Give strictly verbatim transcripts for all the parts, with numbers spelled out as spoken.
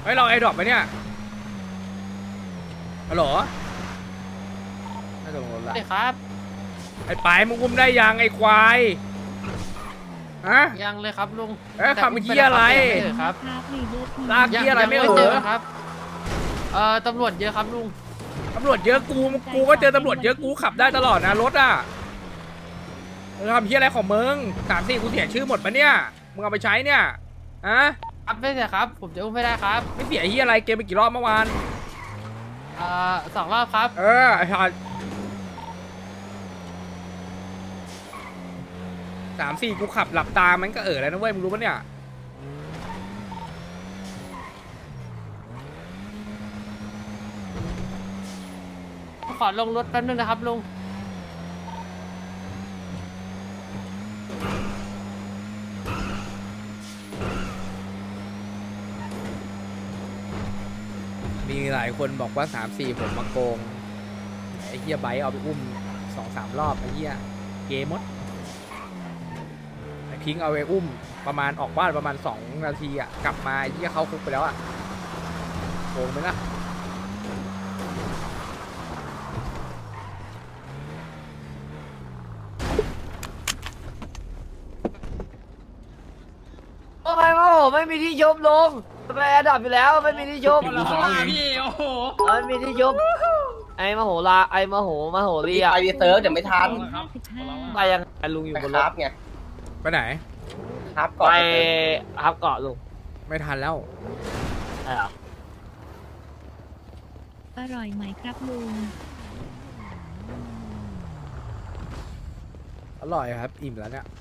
เฮ้ยเราไอ้ดรอปไปเนี่ยฮัลโหลน่าจะลงรถละได้ครับไอ้ปายมึงอุ้มได้ยังไอ้ควายฮะยังเลยครับลุงเอ๊ะทำเหี้ยอะไรแต่อุ้มปแล้วครับลากยังเหี้ยอะไรยังไม่ไม่เอเจออครับเอ่อตำรวจเยอะครับลุงตำรวจเยอะกูกูก็เจอตำรวจเยอะกูขับได้ตลอดนะรถอ่ะมึงทำเหี้ยอะไรของมึงสามสี่กูเสียชื่อหมดปะเนี่ยมึงเอาไปใช้เนี่ยฮะครับไม่เสียครับ ผมจะอุ้มไม่ได้ครับไม่เสียเหี้ยอะไรเกมไปกี่รอบเมื่อวานเอ่อสองรอบครับเออไอ้ห่าสามสี่กูขับหลับตามันก็เออแล้วนะเว้ยมึงรู้ปะเนี่ยขอลงรถแป๊บนึงนะครับลุงมีหลายคนบอกว่าสามสี่ผมมาโกงไอ้เหี้ยไบค์เอาไปอุ้มสองสามรอบไอ้เหี้ยเกมมดไอ้พิงค์เอาไปอุ้มประมาณออกบ้านประมาณสองนาทีอ่ะกลับมาไอ้เหี้ยเข้าคุกไปแล้วอ่ะโกงไหมล่ะโอ้ยโอ้โหไม่มีที่ยุบลงไปแอดดับอยู่แล้วไม่มีที่ยุบพี่โอ้โหเออไม่มีที่ยุบไอ้มโหฬารไอ้มโหมโหรีอะไปดีเซิร์ฟเดี๋ยวไม่ทันไปยังไงลุงอยู่ไปบนครรัถบไงไปไหนครับก่อนไปไปเซิร์ฟฮับเกาะลุงไม่ทันแล้วใช่เหรออร่อยไหมครับลุงอร่อยครับอิ่มแล้วเนี่ย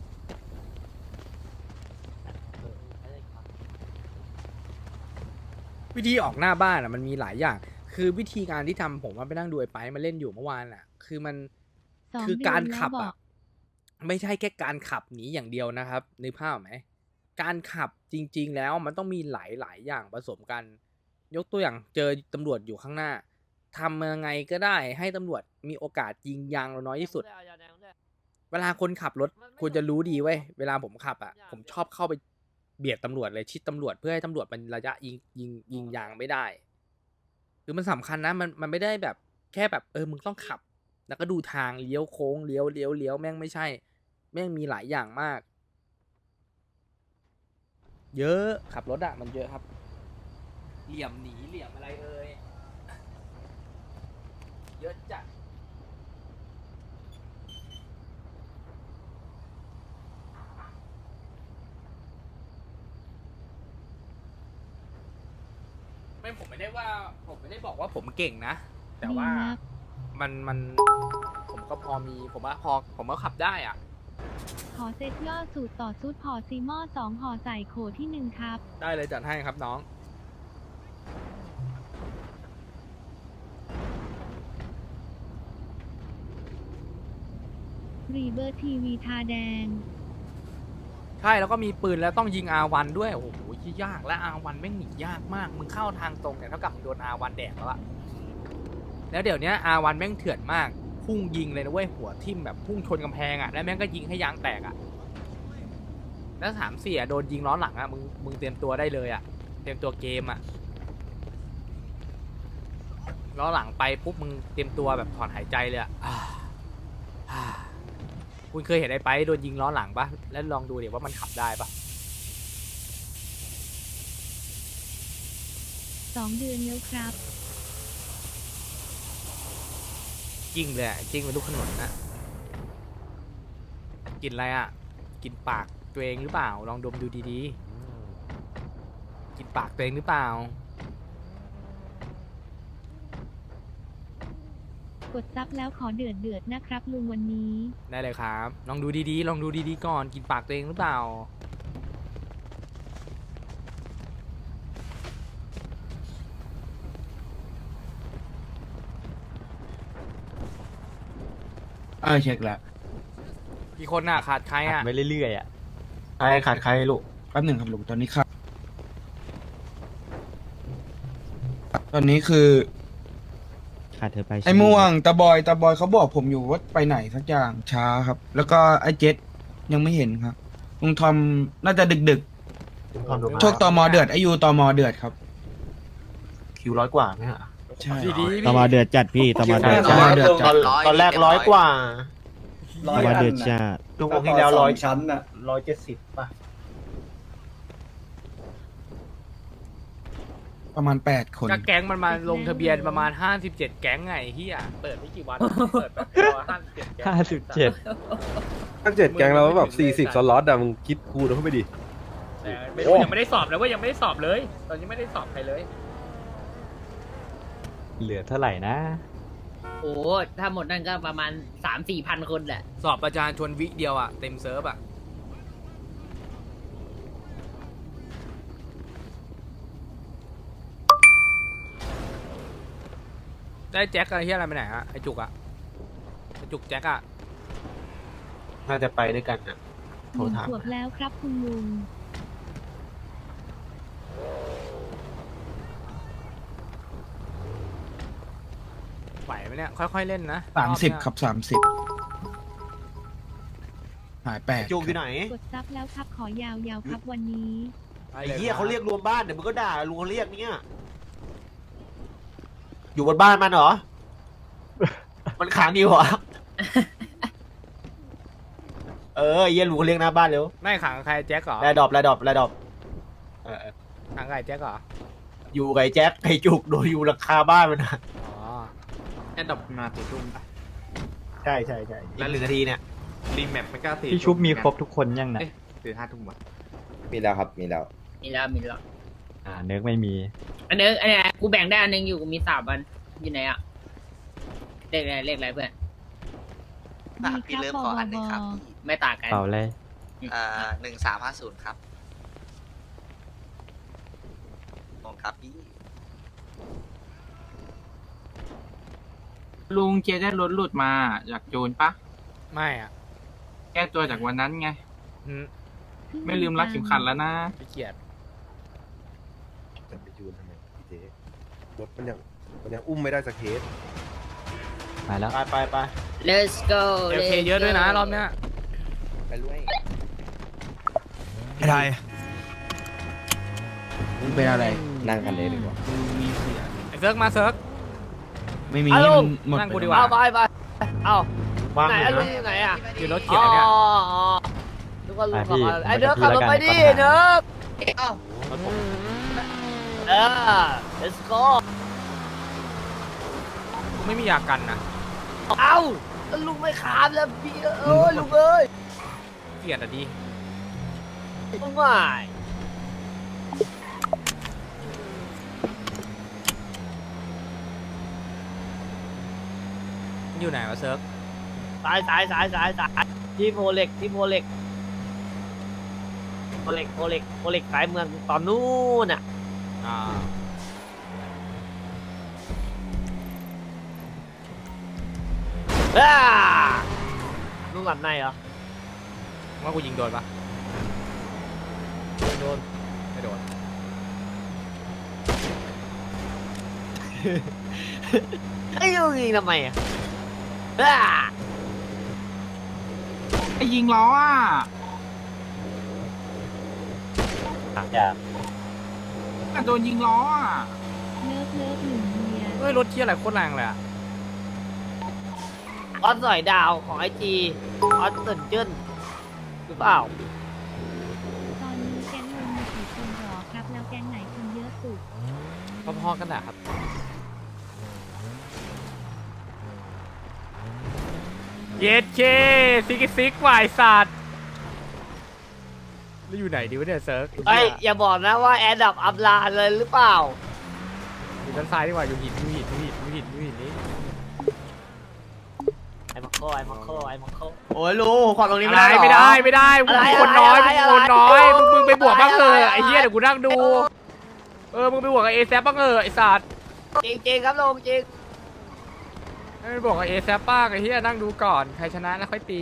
วิธีออกหน้าบ้านอ่ะมันมีหลายอย่าง คือวิธีการที่ทำผมว่าไปนั่งดูไอ้ไปมาเล่นอยู่เมื่อวานอ่ะ คือมันสองคือเดืการนแล้วขับบอกอ่ะไม่ใช่แค่การขับหนีอย่างเดียวนะครับนึกภาพไหมการขับจริง ๆ แล้วมันต้องมีหลายๆอย่างผสมกัน ยกตัวอย่างเจอตำรวจอยู่ข้างหน้าทำยังไงก็ได้ให้ตำรวจมีโอกาสยิงยางเราน้อยที่สุด เวลาคนขับรถควรจะรู้ดีเว้ยเวลาผมขับอ่ะผมชอบเข้าไปเบียดตำรวจเลยชิดตำรวจเพื่อให้ตำรวจมันระยะยิงยิงยิงยางไม่ได้คือมันสำคัญนะมันมันไม่ได้แบบแค่แบบเออมึงต้องขับ แล้วก็ดูทางเลี้ยวโค้งเลี้ยวเลี้ยวเลี้ยวแม่งไม่ใช่ แม่งมีหลายอย่างมาก เยอะขับรถอะมันเยอะครับ เหลี่ยมหนีเหลี่ยมอะไรเอ่ยเยอะจัดไม่ผมไม่ได้ว่าผมไม่ได้บอกว่าผมเก่งนะ แต่ว่าดีนะมันมันผมก็พอมีผมว่าพอผมก็ขับได้อ่ะขอเซตย่อสูตรต่อซุดห่อซีหม้อสองห่อใส่โขที่หนึ่งครับได้เลยจัดให้ครับน้องรีเบอร์ทีวีทาแดงใช่แล้วก็มีปืนแล้วต้องยิง อาร์ วัน ด้วยโอ้โหยากและ อาร์ วัน แม่งหนียากมากมึงเข้าทางตรงเนี่ยเท่ากับมึงโดน อาร์ วัน แดกแล้วอะแล้วเดี๋ยวนี้ อาร์ วัน แม่งเถื่อนมากพุ่งยิงเลยนะเว้ยหัวทิ่มแบบพุ่งชนกำแพงอะแล้วแม่งก็ยิงให้ยางแตกอะแล้วสามเสียโดนยิงล้อหลังอะมึงมึงเตรียมตัวได้เลยอะเตรียมตัวเกมอะล้อหลังไปปุ๊บมึงเตรียมตัวแบบถอนหายใจเลยอะอ่าอ่าคุณเคยเห็นไอ้ไปโดนยิงล้อหลังปะแล้วลองดูเดี๋ยวว่ามันขับได้ปะสองเดือนแล้วครับจริงเลยอะจริงเป็นลูกขนุนนะกินอะไรอ่ะ กินปากตัวเองหรือเปล่า ลองดมดูดีๆ กินปากตัวเองหรือเปล่ากดซับแล้วขอเดือดเดือดนะครับลุงวันนี้ได้เลยครับ ลองดูดีๆ ลองดูดีๆก่อน กินปากตัวเองหรือเปล่าเออเช็คแล้วกี่คนอ่ะ ขาดใครอ่ะไปเรื่อยๆอ่ะใครขาดใครลูกแป๊บหนึ่งครับลูกตอนนี้ครับ ตอนนี้คือขาดเธอไปไอ้ม่วงตาบอยตาบอยเขาบอกผมอยู่ว่าไปไหนสักอย่างช้าครับ แล้วก็ไอ้เจ็ดยังไม่เห็นครับลุงทอมน่าจะดึกดึกๆโชคตอมอเดือดไอยูตอมอเดือดครับคิวร้อยกว่าไหมฮะใช่ดีดีตมเดือดจัดพี่ตมเดือดตจัมดเดือดจัดตอนแรกร้อยกว่าตมเดือดจัดชั่วโมงที่แล้วร้อยชั้นน่ะร้อยเจ็ดสิบป่ะประมาณแปดคนก็แก๊งมันมาลงทะเบียนประมาณห้าสิบเจ็ดแก๊งไงเฮียเปิดไม่กี่วันเปิดแบบห้าสิบเจ็ดแก๊งห้าสิบเจ็ดตั้งเจ็ดแกงเราแบบสี่สิบสล็อตอะมึงคิดคูณเข้าไปดิแต่ไม่รู้ยังไม่ได้สอบเลยเว่ายังไม่ได้สอบเลย ตอนนี้ไม่ได้สอบใครเลยเหลือเท่าไหร่นะโอ้ถ้าหมดนั่นก็ประมาณสามสี่พันคนแหละสอบประจานชวนวิเดียวอ่ะเต็มเซิร์ฟอ่ะได้แจ็คอะไรที่อะไรไปไหนฮะไอจุกอ่ะไอจุกแจ็คอ่ะน่าจะไปด้วยกันน่ะหโทรนึ่งถามขวบแล้วครับคุณลุงไหวไหมเนี่ยค่อยๆเล่นนะสามสิบอบเนี้ยครับสามสิบหายแปดจูงอยู่ไหนกดซับแล้วครับขอยาวๆครับวันนี้ไอ้เหี้ยเขาเรียกรวมบ้านเดี๋ยวมึงก็ด่าลุงเขาเรียกเนี่ยอยู่บนบ้านมันเหรอ มันขังอยู่เหรอ เออไอ้เหี้ยลุงเขาเรียกหน้าบ้านเร็วไม่ขังใครแจ็คเหรอแรดดอปแรดดอปแรดดอปเออขังใครแจ็คเหรออยู่กับไอ้แจ็คไอ้จุกโดยอยู่หลังคาบ้านมันนะอ๋อแอดดอปมาตีตุ้มปะใช่ใช่ใช่แล้วหนึ่งนาทีเนี่ยรีแมปไม่กล้าตีพี่ชุบมีครบทุกคนยังนะตีห้าทุ่มวะมีแล้วครับ มีแล้วมีแล้วมีแล้วอ่าเนื้อไม่มีอันนึงอันนี้กูแบ่งได้อันนึงอยู่กูมีสามอันอยู่ไหนอะเลขอะไรเลขอะไรเพื่อนดีครับบอบอบอไม่ต่างกันเปล่าเลยอ่าหนึ่งสามห้าศูนย์ครับผมครับพี่ลุงเจได้รถหลุดมาจากโจรปะไม่อ่ะแก้ตัวจากวันนั้นไงอืมไม่ลืมรักเข็มขัดแล้วนะไม่เกียดจะไปจูนทำไมเจ๊รถมันยังมันยังอุ้มไม่ได้สักเคสมาแล้วไปไปไป let's go เอลเคเยอะด้วยนะรอบเนี้ยไปด้วยไอ้ไทยมึงเป็นอะไรนั่งกันเลยดีกว่าไอเซิร์กมาเซิร์กไม่มีเอาลุงหมดนั่งกูไปดีแล้วกว่าเอาไปไปเอาว่างไหนอยู่อะลุงนะอยู่ไหนอะอยู่รถอ๋เขียวเนี่ยออ๋อนึกว่าลุงไปพี่ขับมาไอ้ไปเด้อกับพี่ขับรถไปแล้วกันดิปัญหาเด้อเอ้าเออ let's go กูไม่มียากันนะเอ้าแล้วลุงไม่ขามแล้วพี่เอ้ยลุงเอ้ยเกลียดอ่ะดีลุงไม่อยู่ไหนวะเซิร์กสายสายสายสายสายที่โพเล็กที่โพเล็กโพเล็กโพเล็กโพเล็กสายเมืองตอนนู้นอ่ะอ่าอ้าลุงหลับในเหรอว่ากูยิงโดนปะโดนไม่โดนไอ้ลุงยิงทำไมอ่ะอ้าไอ้ยิงล้ออ่ะอย่าอ่ะโดนยิงล้ออ่ะเลิฟเลิฟหนึ่งเมียเฮ้ยรถเที่ยอะไรโคตรแรงเลยอ่ะออสสอยดาวของไอจีออสตื่นเจิ้นหรือเปล่าตอนนี้แก๊งลุงมีกี่คนหรอครับ แล้วแก๊งไหนคนเยอะสุดพอๆกันแหละครับ เย็ดเคซิกซิกวายสัตว์แล้วอยู่ไหนดีวะเนี่ยเซิร์กเอ้ยอย่าบอกนะว่าแอดดับอัพลาเลยหรือเปล่าอยู่ด้านซ้ายดีกว่าอยู่หินอยู่หินอยู่หินอยู่หินอยู่หินนี้ไอ้มังโคไอ้มังโคไอ้มังโคโอ้ยลุงขอตรงนี้อะไม่ไรได้หรอไม่ได้ไม่ได้มึงอะไรคนน้อยอะไรมึงอะไรคนน้อยอะไรมึงมึงไปบวกบ้างเถอะอะไรไอ้เหี้ยเดี๋ยวกูนั่งดู เออมึงไปบวกกับเอแซบ้างเถอะไอ้สัตว์จริงจริงๆครับลุงจริงให้ไปบวกกับเอแซบ้างไอ้เหี้ยนั่งดูก่อนใครชนะแล้วค่อยตี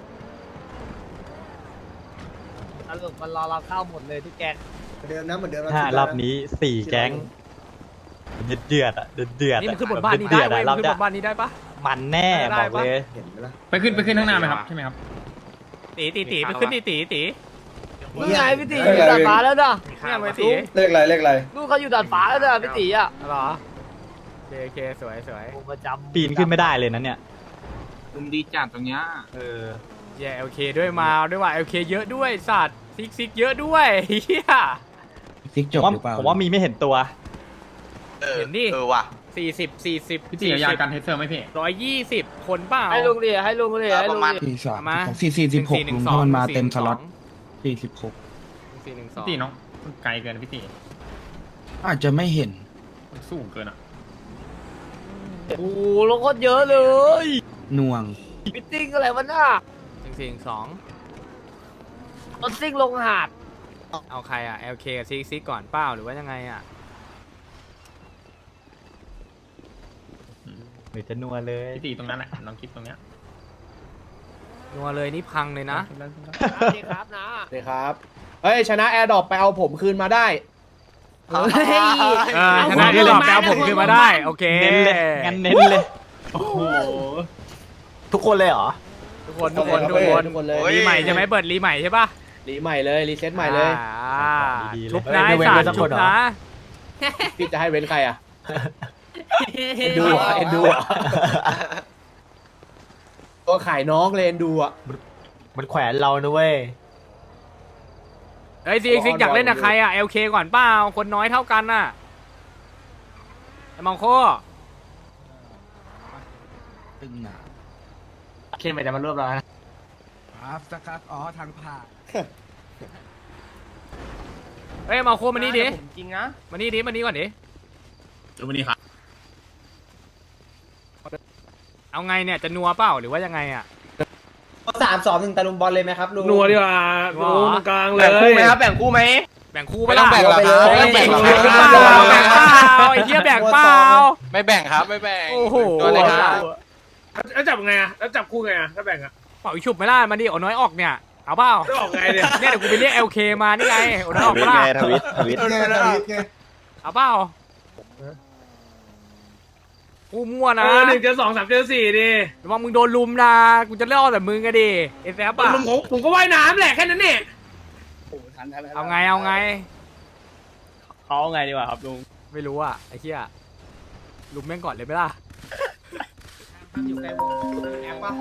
สรุปมันรอเราเข้าหมดเลยทุกแกงเดิมนะเหมือนเดิมห้ารอบนี้สี่แก๊งเดือดเดือดอ่ะเดือดเดือดนี่มันขึ้นบนบ้านนี้ได้เว้ยมันขึ้นบนบ้านนี้ได้ปะมันแน่ได้บอกปะเลยไปขึ้นไปขึ้นข้างหน้าไหมครับใช่ไหมครับตีตีตีไปขึ้นตีตีตีนี่ไงพี่ตีอยู่ดาดฟ้าแล้วนะเนี่ยไปตีเลขอะไรเลขอะไรนู่นเขาอยู่ดาดฟ้าแล้วนะพี่ตีอ่ะเหรอโอเคโอเคสวยสวยผมประจำปีนขึ้นไม่ได้เลยนะเนี่ยลุมดีจัดตรงเนี้ยเออแย่โอเคด้วยมาด้วยว่ะโอเคเยอะด้วยสัตว์ซิกซิกเยอะด้วยเฮียซิกจบว่าหรือเปล่าผมว่ามีไม่เห็นตัวเออเห็นดิเออว่ะสี่สิบสี่สิบพี่ตีเอายากันเทสเซอร์ไหมพี่ร้อยยี่สิบคนเปล่าให้ลุงเลยให้ลุงเลยให้ลุงเลยสี่สามมาสี่สี่สิบหกหนึ่ลุงงสี่หนึ่งสองถ้ามันมาเต็มหนึ่งสสี่ล็อตหนึ่งสองสี่สิบหกสี่หนึ่งสองพี่ตีน้องมันไกลเกินพี่ตีอาจจะไม่เห็นมันสูงเกินอ่ะโอ้โหลงโคตรเยอะเลยหน่วงมิทติ้งอะไรวะน่ะหนึ่งสี่หนึ่งสองรถซิ่งลงหาดเอาใครอ่ะ แอล เค กับซิกซิกก่อนเปล่าหรือว่ายังไงอ่ะหรือจะนัวเลยพี่ตีตรงนั้นแหละน้องคิดตรงเนี้ยนัวเลยนี่พังเลยนะสวัสดีครับนะสวัสดีครับ เฮ้ย ชนะแอร์ดรอปไปเอาผมคืนมาได้เฮ้ยเออชนะที่หลอกแปลผมขึ้นมาได้ โอเคเน้นเลยงั้นเน้นเลยโอ้โหทุกคนเลยเหรอทุกคนทุกคนทุกคนทุกคนเลยรีใหม่ใช่ไหมเปิดรีใหม่ใช่ป่ะรีใหม่เลยรีเซ็ตใหม่เลยอ่าดีๆเลยชุบนะไอ้สารชุบนะพี่จะให้เว้นใครอ่ะเอ็นดูเหรอเอ็นดูเหรอตัวขายน้องเลยเอ็นดูอ่ะมันแขวนเรานะเว้ยเฮ้ยซิกซิกอยากเล่นกับใครอ่ะ แอล เค ก่อนเปล่าคนน้อยเท่ากันน่ะไอ้มองโคตึงหนาเคนไปแต่มันรวบเรานะครับสักครับอ๋อทางผ่านเฮ้ยมองโคมานี่ดิจริงนะมานี่ดิมานี่ก่อนดิเดี๋ยววันนี้ครับเอาไงเนี่ยจะนัวเปล่าหรือว่ายังไงอ่ะสามสองหนึ่งตะลุมบอลเลยไหมครับลุงนัวดีกว่านัวตรงกลางเลยแบ่งคู่ไหมครับแบ่งคู่ไหมแบ่งคู่ไปล่ะไม่ต้องแบ่งหรอกครับแบ่งไม่แบ่งต้องแบ่งแบ่งเปล่าแบ่งเปล่าไอ้เหี้ยแบ่งเปล่าไม่แบ่งครับไม่แบ่งโอ้โหตัวเลยครับแล้วจับไงอ่ะ แล้วจับคู่ไงอ่ะถ้าแบ่งอ่ะเป่าอีฉุบไหมล่ะมาดิเอาน้อยออกเนี่ยเอาเปล่าจะออกไงเนี่ยเนี่ยเดี๋ยวกูไปเรียก แอล เค มานี่ไงเอาน้อยออกปะล่ะทวิตทวิตเอาเปล่ากูมั่วเอนะอหนึ่งเจอสองสามเจอสี่ดิระวังมึงโดนลุมนะกูจะเล่าแต่มึงก็ดิเอฟแอฟผมอะผมผมก็ว่ายน้ำแหละแค่นั้นเนี่ยเอาไงเอาไงเขาไงดีกว่าครับลุงไม่รู้อ่ะไอ้เหี้ยลุมแม่งก่อนเลยไหมล่ะอยู่ในวงแอปปะ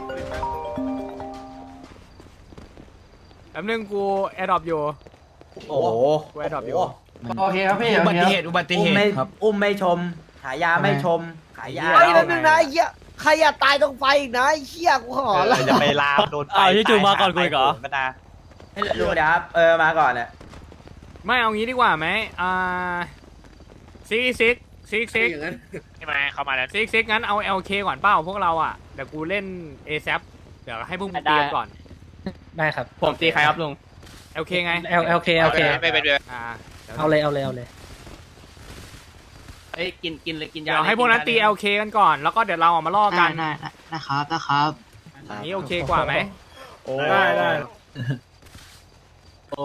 แป๊บนึงกูแอร์ดรอปอยู่โอ้โหกูแอร์ดรอปอยู่โอเคครับพี่อุบัติเหตุอุบัติเหตุครับอุ้มไม่ชม ขายยาไม่ชม ขายยาไอ้นั่นนึงนะไอ้เหี้ยใครอยากตายต้องไฟอีกนะไอ้เหี้ยกูขอละจะไปลามโดนไฟอ้าวที่จูงมาก่อนกูอีกเหรอก็ได้ลุงเดี๋ยวครับ เออ มาก่อนแหละไม่เอางี้ดีกว่าไหมอ่าซิกซิกซิกซิกใช่ไหมเข้ามาแล้วซิกซิกงั้นเอา แอล เค ก่อนเป้าพวกเราอ่ะเดี๋ยวกูเล่น เอ แซป เดี๋ยวให้พวกมึงได้เตรียมก่อนได้ครับ ผมตีใครครับลุงแอล เค ไง L L K L K ไม่เป็นไรอ่าดี๋ยวเอาเลยเอาเลยเอาเลยเอ้ยกินกินเลยกินยาเดี๋ยวให้พวกนั้นตี แอล เค กันก่อนแล้วก็เดี๋ยวเราออกมาล่อกันได้นะครับนะครับอย่างนี้โอเคกว่าไหมได้ได้โอ้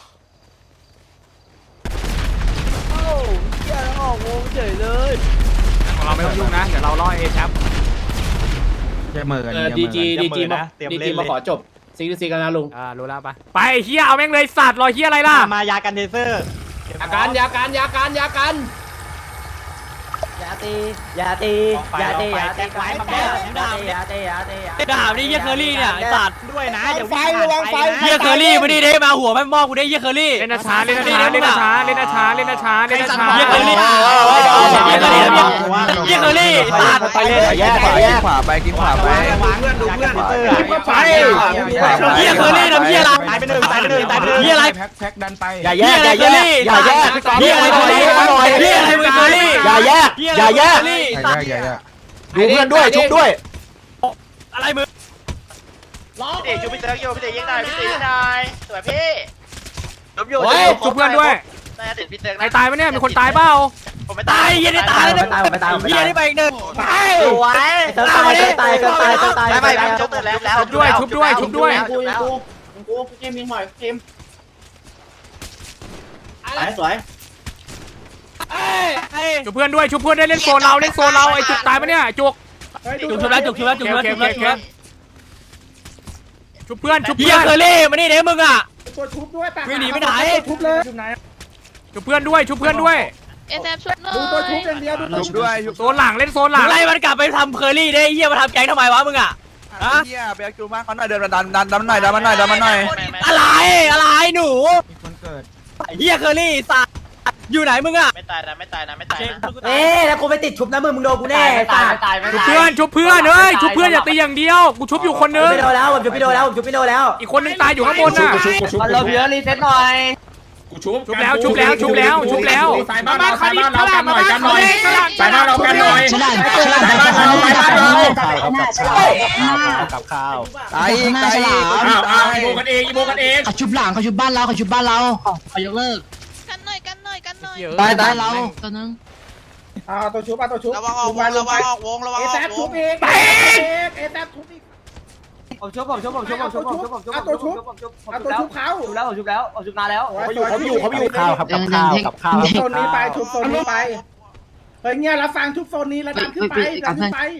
โอ้เหี้ยแล้วออกวงเฉยเลยของเราไม่ต้องยุ่งนะเดี๋ยวเราล่อ เอ แซปจะเหมือนเออจะดีเหมือนจีดีจีมาเตรียมดีเล่จีนมาเลยขอจบซิกซิกกันนะลุงอ่ารู้แล้วปะไปเฮียเอาแม่งเลยสัตว์รอเฮียอะไรล่ะมายากันเทเซอร์ยาการยาการยาการยาการยาตียาตียาตียาตีไว้มาแก้ยาตียาตียาตียาตีด่านี่เฮียเคอรี่เนี่ยไอ้สัตว์ด้วยนะอย่าไฟวิ่งระวังไฟเฮียเคอรี่มาดิเด้มาหัวแม่มอกูได้เฮียเคอรี่เล่นช้าเล่นช้าเล่นช้าเล่นช้าเล่นช้าเล่นช้าเฮียเคอรี่เฮียเคอรี่เฮียเคอรี่สัตว์ไปเลยแยกขวาแยกขวาไปกินขวาไปเพื่อนดูเพื่อนเตอร์ไปเฮียเคอรี่ทำเฮียอะไรตายไปหนึ่งตายไปหนึ่งตายไปหนึ่งเฮียอะไรแพ็คแพ็คดันไปอย่าแยกอย่าแยกอย่าแยกเฮียอะไรเคอรี่เฮียอะไรเคอรี่อย่าแยกอย่าแยกอย่าแยกอย่าแยกดูเพื่อนด้วยชุบด้วยอะไรมึงพี่ตีชูพี่เต๋ออยู่พี่ตียิงหน่อยพี่ตียิงหน่อยสวยพี่ล้มอยู่โอ้ยชุบเพื่อนด้วยน่าจะติดพี่เต๋อใครตายไหมเนี่ยมีคนตายเปล่าผมไม่ตายเฮียได้ตายแล้วตายไปตายไปเฮียได้ไปอีกหนึ่งไปสวยตายตายตายตายไม่ไม่ผมชุบเต๋อแล้วแล้วชุบด้วยชุบด้วยชุบด้วยกูกูกูเกมยิงหน่อยเกมสวยสวยชุบเพื่อนด้วยชุบเพื่อนได้เล่นโซนเราเล่นโซนเราไอ้จุกตายปะเนี่ยจุกจุกชุบแล้วจุกชุบแล้วจุกชุบแล้วจุกแล้วจุกแล้วชุบเพื่อนชุบเฮีเพื่ยอนเคอรี่มานี่เด้มึงอ่ะตัวชุบด้วยปากไม่หนีไปไหนชุบเลยชุบเพื่อนด้วยชุบเพื่อนด้วยเอสเอฟช่วยหน่อยดูตัวชุบอย่างเดียวดูตัวชุบด้วยโซนหลังเล่นโซนหลังไล่มันกลับไปทำเคอรี่ได้เฮียมาทำแก๊งทำไมวะมึงอ่ะฮะเฮียไปจูมาเขาหน่อยเดินดันดันดันหน่อยดันมันหน่อยดันมันหน่อยอะไรอะไรหนูมันเกิดเฮียเคอรี่สัตว์อยู่ไหนมึงอ่ะไม่ตายนะไม่ตายนะไม่ตายนะเอ๊ะแล้วกูไปติดชุบนะมึงมึงโดนกูแน่ไม่ตายไม่ตายไม่ชุบตายเพื่อนชุบเพื่อนเอ้ยชุบเพื่อนอย่าตีอย่างเดียวกูชุบอยู่คนนึงไม่โดนแล้วผมชุบไม่โดนแล้วผมชุบไม่โดนแล้วอีกคนนึงตายอยู่ข้างบนน่ะมันเราเยอะรีเซ็ตหน่อยชุบแล้วชุบแล้วชุบแล้วชุบแล้วสายบ้านเราสายบ้านเรากันหน่อยกันหน่อยสายบ้านเรากันหน่อยสายบ้านเราสายบ้านเราสายบ้านเรากับข้าวตายอีกตายอีกอ้าวอ้าวอีโบกันเองอีโบกันเองเขาชุบหลังเขาชุบบ้านเราเขาชุบบ้านเราเขายกเลิกกันหน่อยกันหน่อยกันหน่อยตายตายเราตัวนึงอ่าตัวชุบอ่ะตัวชุบระวังออกวงระวังออกวงระวังเอออกแซวชุบงเองเอแซชุบอีกผมชุบผมชุบผมชุบผมชุบผมชุบผมชุบเอาตัวชุบผมชุบเอาตัวชุบเขาชุบแล้วผมชุบแล้วผมชุบนานแล้วเขาอยู่เขาอยู่เขาอยู่ข้าวครับกับข้าวกับข้าวชุบโซนนี้ไปชุบโซนนี้ไปเฮ้ยเงี้ยแล้วฟังชุบโซนนี้แล้วดันขึ้นไปดันขึ้นไป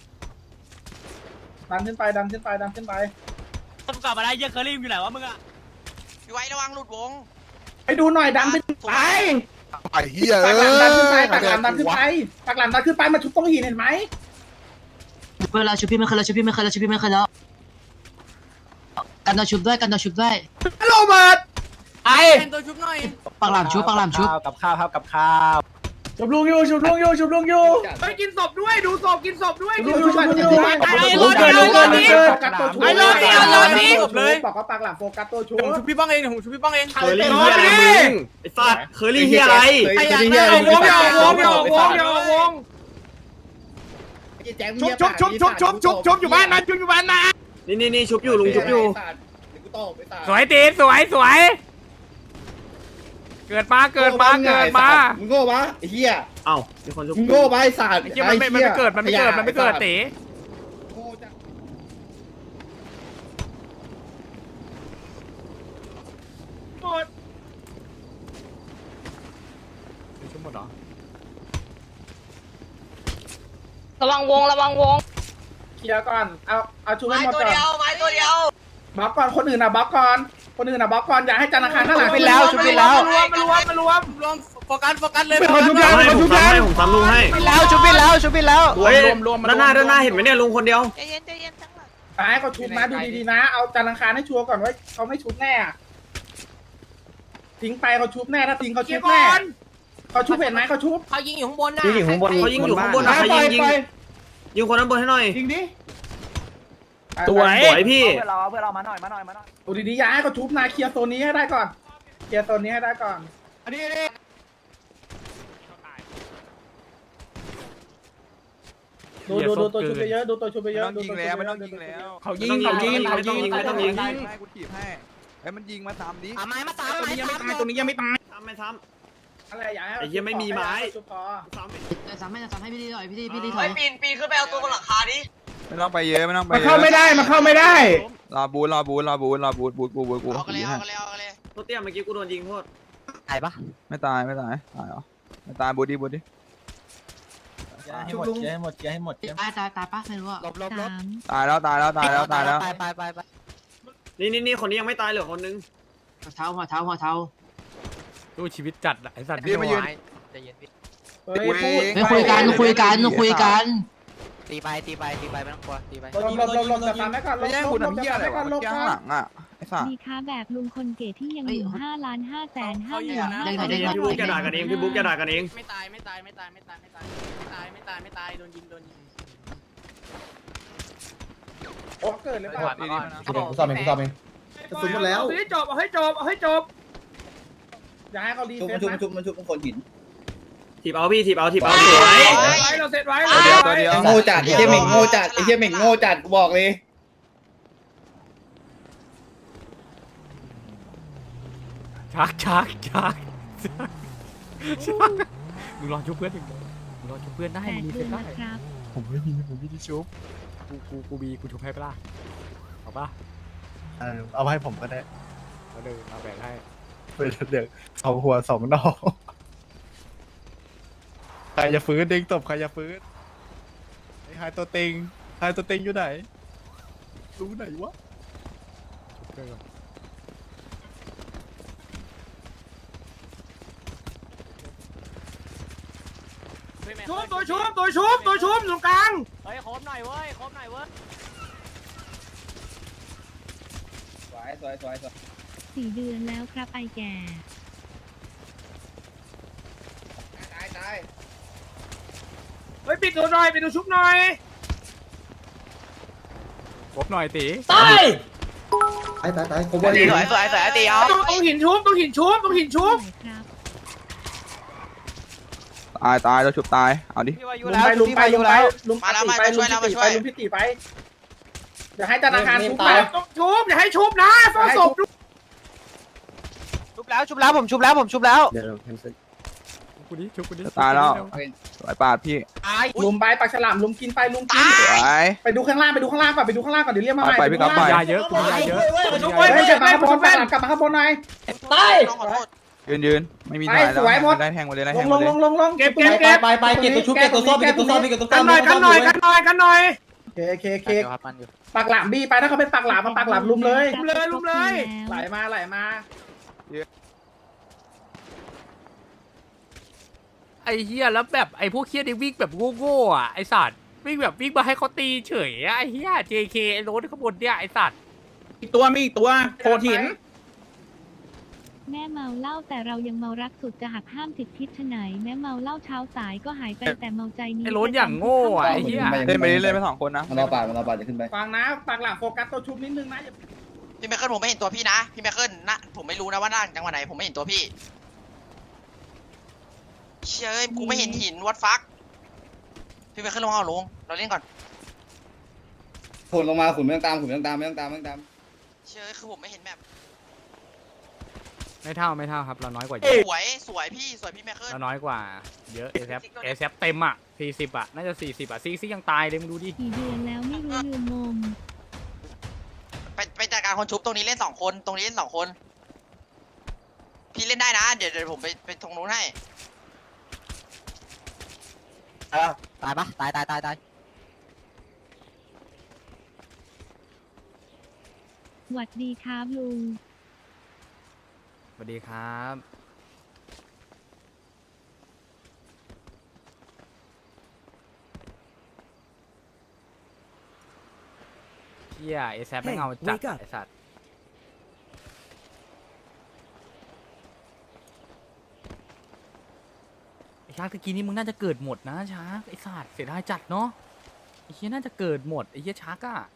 ดันขึ้นไปดันขึ้นไปดันขึ้นไปมึงกลับมาได้เฮียเคอรี่อยู่ไหนวะมึงอ่ะพี่ไว้ระวังหลุดวงไปดูหน่อยดันขึ้นไปไอ้เหี้ยปากเอ้หลังดันขึ้นไปยปากหลังดันขึ้นไปปากหลังดันขึ้นไปมันชุบต้องหินเห็นไหมเวลาชุบพี่ไม่เคยแล้วชุบพี่ไม่เคยแล้วชุบพี่ไม่เคยแล้วกันเราชุบด้วยกันเราชุบด้วยโรเบิร์ตไอ้ปากหลามชุบปากหลามชุบกับข้าวครับกับข้าวชุบลุงอยู่ชุบลุงอยู่ชุบลุงอยู่ไปกินศพด้วยดูศพกินศพด้วยชุบลุงอยู่ชุบลุงอยู่ลุงเกินลุงเกินลุงเกินโฟกัสตัวชุบไอ้รถนี่เอารถนี่บอกว่าปากหลังโฟกัสตัวชุบผมชุบพี่บ้องเองผมชุบพี่บ้องเองเคอรี่เฮียอะไรมึงไอ้สัตว์เคอรี่เฮียอะไรไอ้ยันไม่เอาวงอย่าเอาวงอย่าเอาวงอย่าเอาวงชุบชุบชุบชุบชุบชุบชุบอยู่บ้านนะชุบอยู่บ้านนะนี่นี่นี่ชุบอยู่ลุงชุบอยู่สวยตีสวยสวยเกิดมาเกิดมาเกิดมามึงโง่ปะไอ้เหี้ยเอ้ามีคนชุบมึงโง่ปะไอ้สัตว์ไอ้เหี้ยมันไม่มันไม่เกิดมันไม่เกิดมันไม่เกิดเต๋ชุบหมดเหรอระวังวงระวังวงเคลียร์ก่อนเอาเอาชุบให้ไม้หมดตัวก่อนเดียวไม้ตัวเดียวบล็อกก่อนคนอื่นอ่ะบล็อกก่อนคนอื่นอ่ะบล็อกก่อนอย่าให้จันทร์อังคารข้างหลังไปแล้วชุบไปแล้วมารวมมารวมมารวมรวมโฟกัสโฟกัสเลยเขาชุบยังเขาชุบยังผมซ้ำลุงให้ไปแล้วชุบไปแล้วชุบไปแล้วรวมรวมด้านหน้าด้านหน้าเห็นไหมเนี่ยลุงคนเดียวใจเย็นใจเย็นทั้งหลังตายเขาชุบนะดูดีๆนะเอาจันทร์อังคารให้ชัวร์ก่อนว่าเขาไม่ชุบแน่อะทิ้งไปเขาชุบแน่ถ้าทิ้งเขาชุบแน่เขาชุบเห็นไหมเขาชุบเขายิงอยู่ข้างบนนะยิงอยู่ข้างบนเขายิงอยู่ข้างบนนะใครยิงยิงยิงคนนั้นบนให้หน่อยยิงดิสวยสวยพี่เพื่อนเราเพื่อนเรามาหน่อยมาหน่อยมาหน่อยดูดีๆอย่าให้เขาชุบนะเคลียร์โซนนี้ให้ได้ก่อนเคลียร์โซนนี้ให้ได้ก่อนอันนี้นี่ดูดูดูตัวชุบไปเยอะดูตัวชุบไปเยอะดูตัวชุบไปเยอะเขายิงเขายิงเขายิงไม่ต้องยิงไม่ต้องยิงให้กูถีบให้ไอ้มันยิงมาตามนี้ไม้มาตามตัวนี้ยังไม่ตายตัวนี้ยังไม่ตายทำไม่ทอะไรอย่าให้ไอ้เหี้ยไม่มีไม้ชุบพอำซ้ำแต่สามให้สามให้พี่ดีหน่อยพี่ดีพี่ดีถไอ้อยปีนปีนขึ้นไปเอาตัวบนหลังคาดิไม่ต้องไปเยอะไม่ต้องไปมันเข้าไม่ได้มันเข้าไม่ได้รอบูทรอบูทรอบูทรอบูทบูทบูทบูทบูทเอากันเลยเอากันเลยเอากันเลยโทษเตี้ยเมื่อกี้กูโดนยิงโทษตายปะไม่ตายไม่ตายตายเหรอไม่ตายบูทดิบูทดิให้หมดให้หมดให้หมดตายตายตายปะไม่รู้อะสามตายแล้วตายแล้วตายแล้วตายแล้วไปไปไปไปนี่นี่นี่คนนี้ยังไม่ตายเหลือคนนึงหัวเท้าหัวเท้าหัวเท้าดูชีวิตจัดไอ้สัตว์เฮ้ยพูดไม่คุยกันคุยกันคุยกันตีไปตีไปตีไปไม่ต้องกลัวตีไปลบลบลบลบจะฟังไว้ก่อนลบลบลบจะฟังไว้ก่อนลบก่อนหลังอ่ะไอ้สัสมีค้าแบบลุงคนเก๋ที่ยังอยู่ห้าล้านห้าแสนห้าหมื่นห้าพี่บุ๊กจะด่ากันเองพี่บุ๊กจะด่ากันเองไม่ตายไม่ตายไม่ตายไม่ตายไม่ตายไม่ตายไม่ตายไม่ตายโดนยิงโดนยิงโอ้เกิดเลยป่ะกูสอบเองกูสอบเองกระสุนหมดแล้วให้จบเอาให้จบเอาให้จบอย่าให้เขารีเซ็ตนะถีบเอาพี่ถีบเอาถีบเอาสวยไว้เราเซ็ตไว้เดี๋ยวเดี๋ยวโง่จัดไอ้เหี้ยเหม่งโง่จัดไอ้เหี้ยเหม่งโง่จัดกูบอกเลยชักชักชักชักมึงรอชุบเพื่อนมึงมึงรอชุบเพื่อนได้แปดมึงมีเดืเซ็อนตได้ละครับผมไม่มีผมไม่ได้ชุบกูกูกูมีกูชุบให้ปะล่ะเอาปะเอาให้ผมก็ได้เอาเดินเอาแบ่งให้เป็นเด็กสองหัวสองนอกใครจะฟื้นเด้งตบใครจะฟื้นไอ้หายตัวเต็งหายตัวเต็งอยู่ไหนรู้ไหนวะชุบเพื่อนก่อนชุบตัวชุบตัวชุบตัวชุบตรงกลางเฮ้ยโคมหน่อยเว้ยโคมหน่อยเว้ยสวยสวยสวยสวยสี่เดือนแล้วครับไอแก่ตายตายเฮ้ยปิดตัวหน่อยปิดตัวชุบหน่อยครบหน่อยตีตายตายตายตายผมสวยสวยสวยสวยตีเอาตรงตรงหินชุบตรงหินชุบตรงหินชุบไหนครับตายตายเราฉุบตายเอาดิพี่วายุลุมแล้วไปลุมพี่ไปวาลุยุมไปแล้วลุมมาแล้วไปมาลุช่วยมแล้วพิมาติช่ไปวยลุมพิติไปเดี๋ยวให้ธนาคารชุบไปต้องชุบอย่าให้ชุบนะฟองศพชุบแล้วชุบแล้วผมชุบแล้วผมชุบแล้วเดี๋ยวแคนเซิลกูดิชุบกูดิจะตายแล้วสวยปาดพี่ตายลุมไปปากฉลามลุมกินไปลุมกินสวยไปดูข้างล่างไปดูข้างล่างก่อนไปดูข้างล่างก่อนเดี๋ยวเรียกมาใหม่ไปพี่ก๊อฟไปยาเยอะกูมียาเยอะเฮ้ยกลับมาข้างบนปากฉลามกลับมาข้างบนหน่อยตายน้องขอโทษยืนยืนไม่มีถ่ายแล้วได้แทงมาเลยได้ลแทงงลมาง เลยลงลงลงเก็บเก็บเก็บไปไปเก็บตัวชุบเก็บตัวส้มเก็บตัวส้มเก็บตัวส้กันมหน่อยกันหน่อยกันหน่อยกันหน่อยเคเคเคปากหลามบี้ไปถ้าเขาเป็นปากหลามมาปากหลามลุมเลยลุมเลยลุมเลยไหลมาไหลมาไอ้เฮียแล้วแบบไอ้พวกเฮียนี่วิ่งแบบโง่ๆอ่ะไอ้สัตว์วิ่งแบบวิ่งมาให้เขาตีเฉยอะไอ้เฮีย เจ เค ไอ้โรถข้างบนเนี่ยไอ้สัตว์อีกตัวมีอีกตัวโคหินแม่เมาเหล้าแต่เรายังเมารักสุดจะหักห้ามติดพิษฉะไหนแม้เมาเหล้าเช้าสายก็หายไปแต่เมาใจนี้ไอ้โรถอย่างโง่อ่ะไอ้เฮียเล่นไปเรื่อยๆไปสองคนนะมันเราปาดมันเราปาดจะขึ้นไปฟังนะปากหลามโฟกัสตัวชุบนิดนึงนะพี่ไมเคิลผมไม่เห็นตัวพี่นะพี่ไมเคิลนะผมไม่รู้นะว่านั่งจังหวะไหนผมไม่เห็นตัวพี่เชยกูไม่เห็นหินวัดฟักพี่ไมเคิลลงเอาลงเราเล่นก่อนขุนลงมาขุนไม่ต้องตามขุนไม่ต้องตามไม่ต้องตามไม่ต้องตามเชยคือผมไม่เห็นแบบไม่เท่าไม่เท่าครับเราน้อยกว่าเยสอะวยสวยพี่สวยพี่ไมเคิลเราน้อยกว่าเยอะเอแซเอแซเต็มอ่ะสี่สิบอ่ะน่าจะสี่สิบอ่ะซีซียังตายเลยมึงดูดิกี่เดือนแล้วไม่รู้ลืมมมไปไปจัดการคนชุบตรงนี้เล่นสองคนตรงนี้เล่นสองคนพี่เล่นได้นะเดี๋ยวเดี๋ยวผมไปไปตรงนู้นให้ตายปะตายตายตายตายหวัดดีครับลุงสวัสดีครับเฮียเอแซไม่เอาจัดไอ้สัตว์ไอ้ชาร์กตะกี้นี้มึงน่าจะเกิดหมดนะชาร์กไอ้สัตว์เสียดายจัดเนาะไอ้เฮียน่าจะเกิดหมดไอ้เฮียชาร์กอะ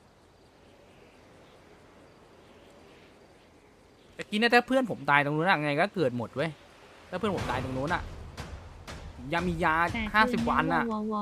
ตะกี้เนี่ยถ้าเพื่อนผมตายตรงนู้นอะไงก็เกิดหมดเว้ยถ้าเพื่อนผมตายตรงนู้นอะยังมียาแต่ห้าสิบวันอะวอวอ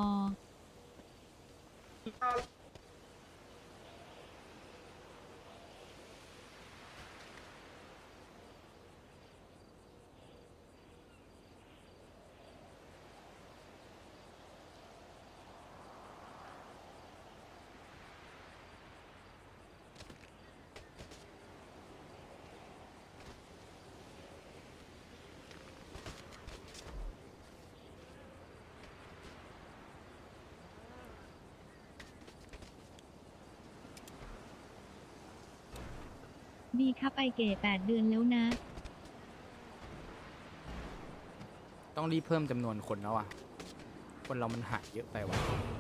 ดีครับไอเก๋แปดเดือนแล้วนะต้องรีบเพิ่มจำนวนคนแล้วอะคนเรามันหายเยอะไปว่ะ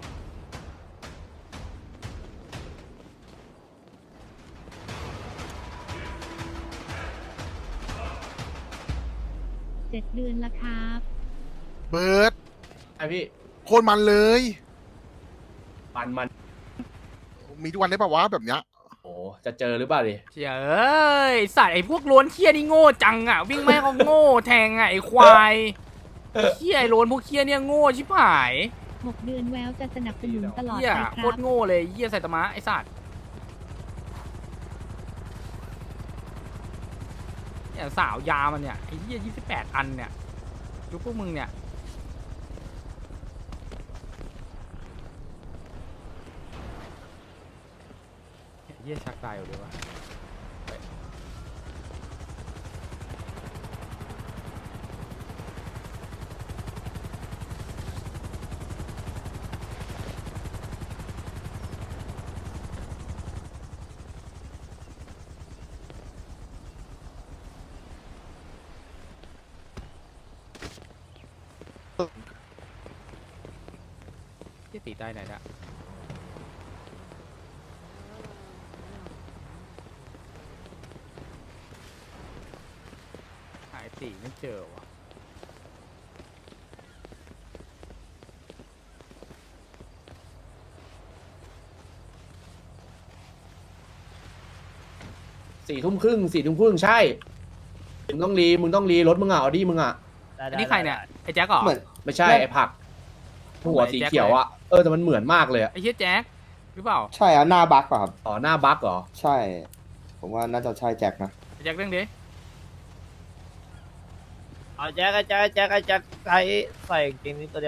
เจ็ดเดือนละครับเบิร์ดไอพี่โคตรมันเลยมันมันมีทุกวันได้ปะวะแบบเนี้ยโอ้จะเจอหรือเปล่าดิเฮ้ยสัตว์ไอ้พวกล้วนเคี้ยนี่โง่จังอะวิ่งไม่ให้เขาโง่แทงอะไอ้ควายเคี้ยไอ้ล้วนพวกเคี้ยเนี่ยโง่ชิบหายหกเดือนแววจะสนับสนุนตลอดเหี้ยไปคโครัตบรโง่เลยเหี้ยไซตามะไอ้สัตว์เนี่ยสาวยามันเนี่ยไอ้เหี้ยยี่สิบแปดอันเนี่ยยุคพวกมึงเนี่ยเหี้ยชักตายอยู่เลยวะที่ตีใต้ไหนละหายตีไม่เจอวะสี่ทุ่มครึ่งสี่ทุ่มครึ่งใช่มึงต้องรีมึงต้องรีรถมึงอ่ะออดี้มึงอ่ะอันนี้ใครเนี่ยไอ้แจ็คเหรอไม่ใช่ไอ้ผักหัวสีเขียวอ่ะเออแต่มันเหมือนมากเลยอ่ะไอ้เฮียแจ็คหรือเปล่าใช่อ่ะหน้าบักป่ะครับอ๋อหน้าบั๊กเหรอใช่ ผมว่าน่าจะใช่แจ็คนะไอ้แจ็คเรื่องดิเอาแจ็คแจ็คแจ็คแจ็คใส่ใส่เกงนี้ตัวเดียว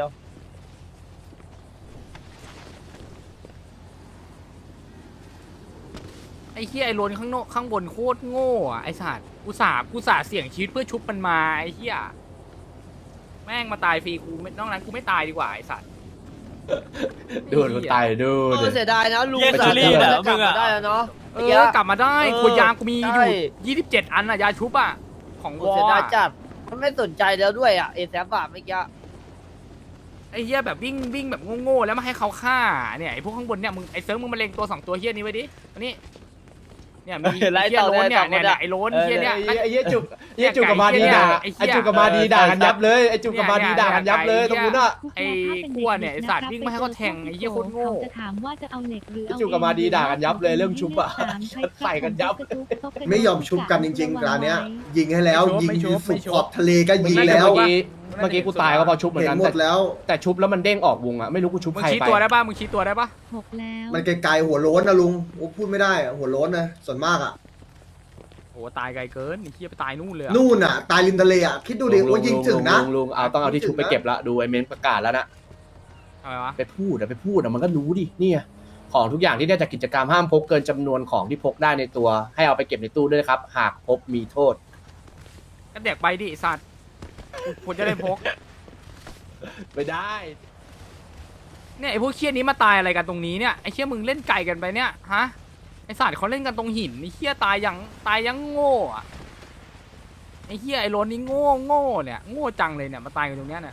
ไอ้เฮียไอ้โลนข้างโนข้างบนโคตรโง่อะไอ้สัตว์กูสากูสาเสี่ยงชีวิตเพื่อชุบมันมาไอ้เฮียแม่งมาตายฟรีกูไม่นอกนั้นกูไม่ตายดีกว่าไอ้สัตว์ดูมันตายดูเอดิอเสียดายนะลุงเรียกสาจูลี่มเหรอจะกลับมึงอะมาได้แล้วเนาะเออกลับมาได้เออขวดยางกูมีอใช่ยู่ยี่สิบเจ็ดอันอะยาชุบอะของวอเสียดายอะจัดมันไม่สนใจแล้วด้วยอ่ะเอแซฟอะเมื่อกี้ไอ้เฮียแบบวิ่งวิ่งแบบโง่ๆแล้วมาให้เขาฆ่าเนี่ยไอ้พวกข้างบนเนี่ยมึงไอ้เซิร์ฟมึงมาเล็งตัวสองตัวเฮียนี้ไว้ดิอันนี้เนี่ยมีไอ้เฮียโลนเนี่ยเนี่ยเนี่ยไอ้โลนเฮียเนี่ยไอ้เหี้ยจุกไอ้เหี้ยจุกกับมาดีด่าไอ้จุกกับมาดีด่ากันยับเลยไอ้จุกกับมาดีด่ากันยับเลยตรงนู้นอ่ะไอ้กลัวเนี่ยไอ้สัตว์วิ่งมาให้เขาแทงไอ้เหี้ยโคตรโง่เขาจะถามว่าจะเอาเหล็กหรือเอาจูกับมาดีด่ากันยับเลยเรื่องชุบอะ ใส่กันยับไม่ยอมชุบกันจริงๆร้านเนี้ยยิงให้แล้วยิงอยู่สุดขอบทะเลก็เมื่อกี้เมื่อกี้กูตายก็พอชุบเหมือนกันหมดแล้วแต่ชุบแล้วมันเด้งออกวงอ่ะไม่รู้กูชุบมึงใครชี้ไปตัวได้ป่ะมึงชี้ตัวได้ป่ะหกแล้วมันไกลๆหัวโล้นนะลุงโอ้พูดไม่ได้อะหัวโล้นนะส่วนมากอ่ะโอ้ตายไกลเกินไอ้เหี้ยไปตายนู่นเลยอะนู่นอ่ะ ตายริมทะเลอ่ะ คิดดูดิว่ายิงถึงนะลุลุงเอาต้องเอาที่ชุบไปเก็บละดูไอเมนประกาศแล้วนะอะไรวะไปพูดอะไปพูดอะมันก็รู้ดิเนี่ยของทุกอย่างที่ได้จากกิจกรรมห้ามพกเกินจำนวนของที่พกได้ในตัว ให้เอาไปเก็บในตู้ด้วยนะครับ หากพบมีโทษก็เด็กไปดิไอ้สัตว์กูควรจะได้พกไม่ได้เนี่ยไอ้พวกเคี้ยนี้มาตายอะไรกันตรงนี้เนี่ยไอ้เคี้ยมึงเล่นไก่กันไปเนี่ยฮะไอ้สัตว์เขาเล่นกันตรงหินไอ้เคี้ยตายยังตายยังโง่อะไอ้เคี้ยไอ้โรนนี่โง่โง่เนี่ยโง่จังเลยเนี่ยมาตายกันตรงเนี้ยเนี่ย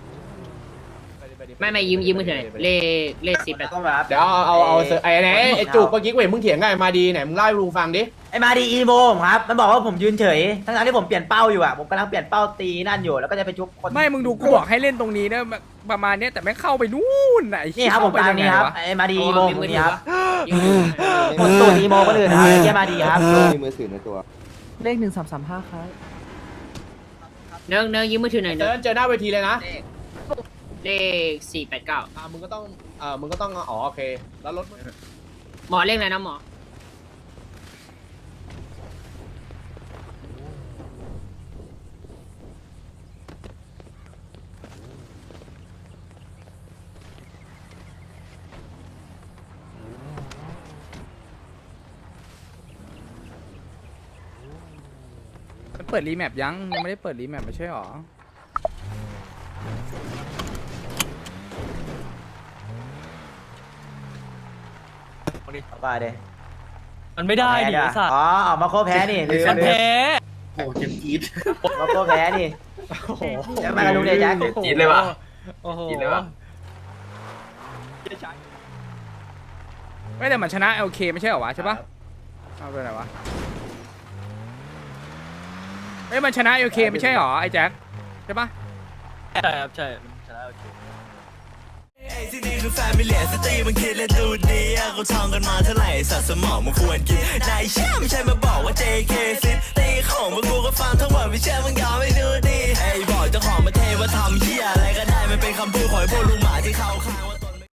ไม่ไม่ยิ้มยิ้มมือถือหน่อยเลขเลขสิบแปดเดี๋ยวเอาเอาเอาไอ้ไหนไอ้จุกเมื่อกี้กูเห็นมึงเถียงไงมาดีไหนมึงเล่าให้ลุงฟังดิไอ้มาดีอีโมครับมันบอกว่าผมยืนเฉยทั้งๆที่ผมเปลี่ยนเป้าอยู่อ่ะผมกำลังเปลี่ยนเป้าตีนั่นอยู่แล้วก็จะไปชุบคนไม่มึงดูกูบอกให้เล่นตรงนี้นะประมาณเนี้ยแต่ไม่เข้าไปนู่นน่ะไอ้นี่เหี้ยครับผมเข้าไปตามยังไงนี้ครับวะไอ้มาดีอีโมมีคมือน ถืนี้อครับปะยิ้มมือถือคนตัวอีโมคนอื่นครับไอ้เหี้ยมาดีครับมีมือถือในตัวเลขหนึ่งสามสามห้าครับเนิร์กเนิร์กยิ้มมือถือหน่อยเจเนิอร์กเจอหน้าเวทีเลยนะเลขสี่แปดเก้าอ่ามึงก็ต้องอ่ามึงก็ต้องอ๋อโอเคแล้วรถมึงหมอเลขอะไรนะหมอมันเปิดรีแมปยังยังไม่ได้เปิดรีแมปไม่ใช่หรอไปเด้มันไม่ได้ดิไอ้สัตว์อ๋อออกมาโคแพ้นี่ลืมมันลืมแพ้โอ้เจ็บจี๊ดมาโคแพ้นี่โอ้โหจะมากันดูเดแจ็คจีดเลยวะโอ้โหจีดเลยวะไม่แต่มันชนะโอเคไม่ใช่เหรอวะใช่ปะเอาไปไหนวะเอ้ยมันชนะโอเคไม่ใช่เหรอไอ้แจ็คใช่ปะใช่ครับใช่ไอ้ที่นี่คือแฟมิเลียสตรีมันคิดและดูดีอะเขาท่องกันมาเท่าไหร่สัตว์สมองมันควรกินนายเชื่อไม่ใช่มาบอกว่า เจ เค ซิตีของพวกกูก็ฟังทั้งหมดไม่เชื่อมึงยอมไม่ดูดีไอ้บอกเจ้าของมาเทว่าทำเหี้ยอะไรก็ได้มันเป็นคำพูดของไอ้พวกลุงหมาที่เขาขาย